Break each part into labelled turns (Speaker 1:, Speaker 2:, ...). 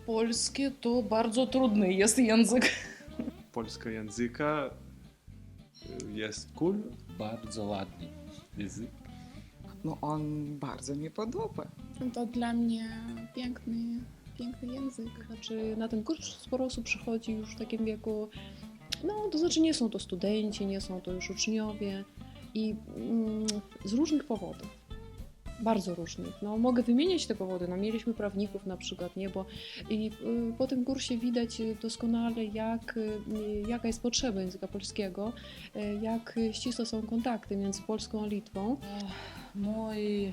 Speaker 1: Polskie to bardzo trudny jest język.
Speaker 2: Polskiego języka jest cool.
Speaker 3: Bardzo ładny język.
Speaker 4: No on bardzo mi podoba.
Speaker 5: To dla mnie piękny język.
Speaker 1: Znaczy, na ten kurs sporo osób przychodzi już w takim wieku, no to znaczy nie są to studenci, nie są to już uczniowie i z różnych powodów. Bardzo różnych. No, mogę wymieniać te powody. No, mieliśmy prawników na przykład, nie? Bo po tym kursie widać doskonale, jaka jest potrzeba języka polskiego, jak ścisłe są kontakty między Polską a Litwą.
Speaker 6: Mój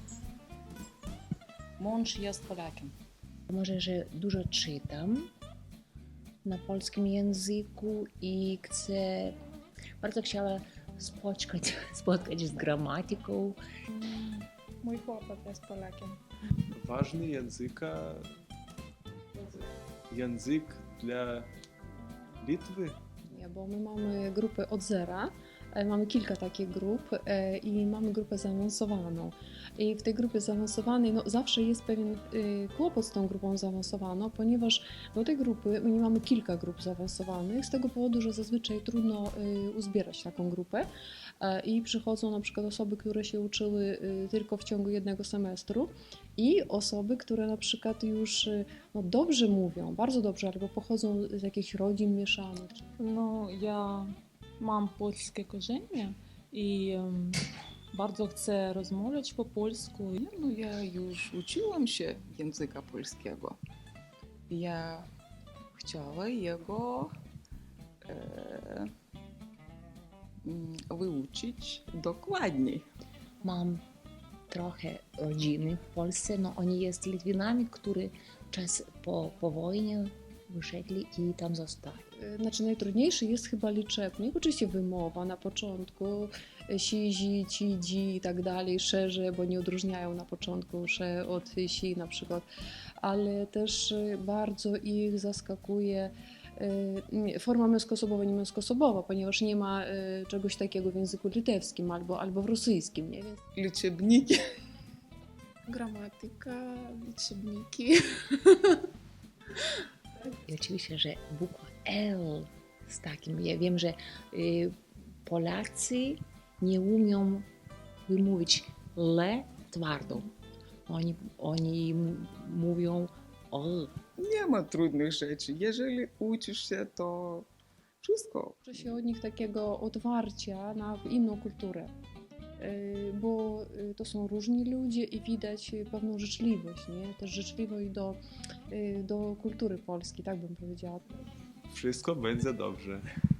Speaker 6: mąż jest Polakiem.
Speaker 7: Może, że dużo czytam na polskim języku i bardzo chciała spotkać z gramatyką.
Speaker 5: Mój chłopak jest Polakiem.
Speaker 2: Ważny język dla Litwy.
Speaker 1: Nie, bo my mamy grupy od zera, mamy kilka takich grup i mamy grupę zaawansowaną. I w tej grupie zaawansowanej no, zawsze jest pewien kłopot z tą grupą zaawansowaną, ponieważ do tej grupy my nie mamy kilka grup zaawansowanych z tego powodu, że zazwyczaj trudno uzbierać taką grupę i przychodzą na przykład osoby, które się uczyły tylko w ciągu jednego semestru i osoby, które na przykład już no, dobrze mówią, bardzo dobrze, albo pochodzą z jakichś rodzin mieszanych.
Speaker 6: No, ja mam polskie korzenie i bardzo chcę rozmawiać po polsku.
Speaker 4: No ja już uczyłam się języka polskiego. Ja chciała jego wyuczyć dokładniej.
Speaker 7: Mam trochę rodziny w Polsce, no oni jest Litwinami, którzy po wojnie wyszedli i tam zostali.
Speaker 1: Znaczy najtrudniejszy jest chyba liczebnik, oczywiście wymowa na początku, sizi, cidzi i tak dalej, szerze, bo nie odróżniają na początku sze od si na przykład, ale też bardzo ich zaskakuje forma męskoosobowa, nie męskoosobowa, ponieważ nie ma czegoś takiego w języku litewskim albo w rosyjskim, nie? Więc
Speaker 4: Liczebniki.
Speaker 5: Gramatyka, liczebniki.
Speaker 7: I oczywiście, że bukwa L z takim, ja wiem, że Polacy nie umią wymówić L twardo. Oni mówią L.
Speaker 4: Nie ma trudnych rzeczy. Jeżeli uczysz się, to wszystko.
Speaker 1: uczy się od nich takiego otwarcia na inną kulturę, bo to są różni ludzie i widać pewną życzliwość, nie? Też życzliwość do kultury polskiej, tak bym powiedziała.
Speaker 2: Wszystko będzie dobrze.